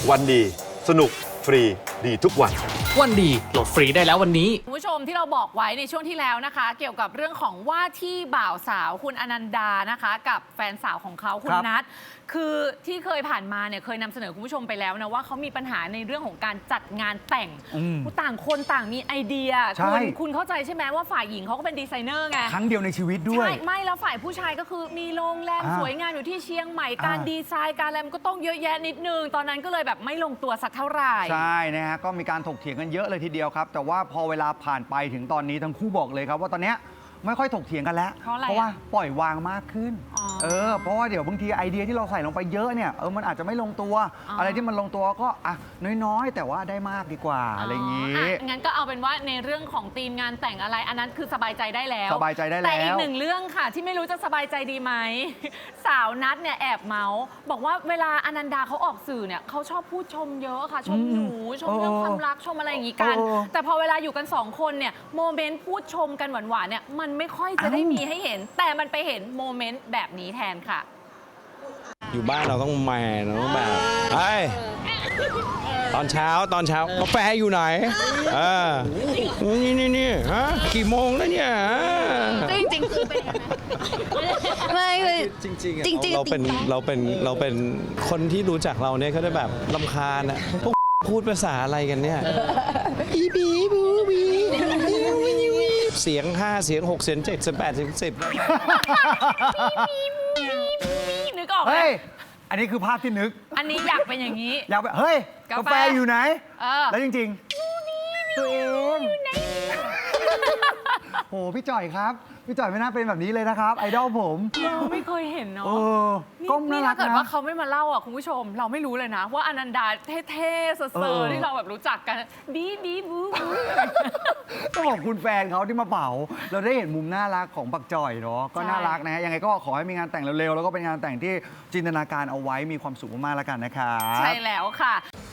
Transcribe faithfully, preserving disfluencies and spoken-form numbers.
วันดีสนุกฟรีดีทุกวันวันดีโหลดฟรีได้แล้ววันนี้คุณผู้ชมที่เราบอกไว้ในช่วงที่แล้วนะคะเกี่ยวกับเรื่องของว่าที่บ่าวสาวคุณอนันดานะคะกับแฟนสาวของเขาคุณนัทคือที่เคยผ่านมาเนี่ยเคยนำเสนอคุณผู้ชมไปแล้วนะว่าเขามีปัญหาในเรื่องของการจัดงานแต่งต่างคนต่างมีไอเดียคุณคุณเข้าใจใช่ไหมว่าฝ่ายหญิงเขาก็เป็นดีไซเนอร์ไงครั้งเดียวในชีวิตด้วยใช่ไม่แล้วฝ่ายผู้ชายก็คือมีโรงแรมสวยงามอยู่ที่เชียงใหม่การดีไซน์การอะไรมันก็ต้องเยอะแยะนิดนึงตอนนั้นก็เลยแบบไม่ลงตัวสักเท่าไหร่ใช่นะฮะก็มีการถกเถียงกันเยอะเลยทีเดียวครับแต่ว่าพอเวลาผ่านไปถึงตอนนี้ทั้งคู่บอกเลยครับว่าตอนเนี้ยไม่ค่อยถกเถียงกันแล้วเพราะอะไรเพราะว่าปล่อยวางมากขึ้นเออเพราะว่าเดี๋ยวบางทีไอเดียที่เราใส่ลงไปเยอะเนี่ยเออมันอาจจะไม่ลงตัวออะไรที่มันลงตัวก็อ่ะน้อยๆแต่ว่าได้มากดีกว่าอะไรอย่างนี้งั้นก็เอาเป็นว่าในเรื่องของธีมงานแต่งอะไรอันนั้นคือสบายใจได้แล้วสบายใจได้แล้วแต่อีกหนึ่งเรื่องค่ะที่ไม่รู้จะสบายใจดีไหมสาวนัทเนี่ยแอบเมาส์บอกว่าเวลาอนันดาเขาออกสื่อเนี่ยเขาชอบพูดชมเยอะค่ะชมหนูชมเรื่องความรักชมอะไรอย่างนี้กันแต่พอเวลาอยู่กันสองคนเนี่ยโมเมนต์พูดชมกันหวานๆเนี่ยมันไม่ค่อยจะได้มีให้เห็นแต่มันไปเห็นโมเมนต์แบบนี้แทนค่ะอยู่บ้านเราต้องแมนเราต้องแบบเฮ้ยตอนเช้าตอนเช้ากาแฟอยู่ไหนเออนี่นี่นี่ฮะกี่โมงแล้วเนี่ยจริงจริงคือเป็นไม่คือจริงจริงจริงๆเราเป็นเราเป็นเราเป็นคนที่รู้จักเราเนี่ยเขาจะแบบรำคาญอะพวกพูดภาษาอะไรกันเนี่ยอีบีบูบีเสียงห้าเสียงหกเสียงเจ็ดเสียงแปดเสียงสิบนึกออกไหมเฮ้ยอันนี้คือภาพที่นึกอันนี้อยากเป็นอย่างนี้อยากแบบเฮ้ยกาแฟอยู่ไหนแล้วจริงๆตัวเองโหพี่จ่อยครับพี่จ่อยไม่น่าเป็นแบบนี้เลยนะครับไอดอลผมเราไม่เคยเห็นเนาะก้มน่ารักนะถ้าเกิดว่าเขาไม่มาเล่าอ่ะคุณผู้ชมเราไม่รู้เลยนะว่าอนันดาเท่ๆเซอร์ที่เราแบบรู้จักกันบีบีบูต้องขอบคุณแฟนเขาที่มาเป่าเราได้เห็นมุมน่ารักของปักจ่อยเนาะก็น่ารักนะฮะยังไงก็ขอให้มีงานแต่งเร็วๆแล้วก็เป็นงานแต่งที่จินตนาการเอาไว้มีความสุขมากๆแล้วกันนะครับใช่แล้วค่ะ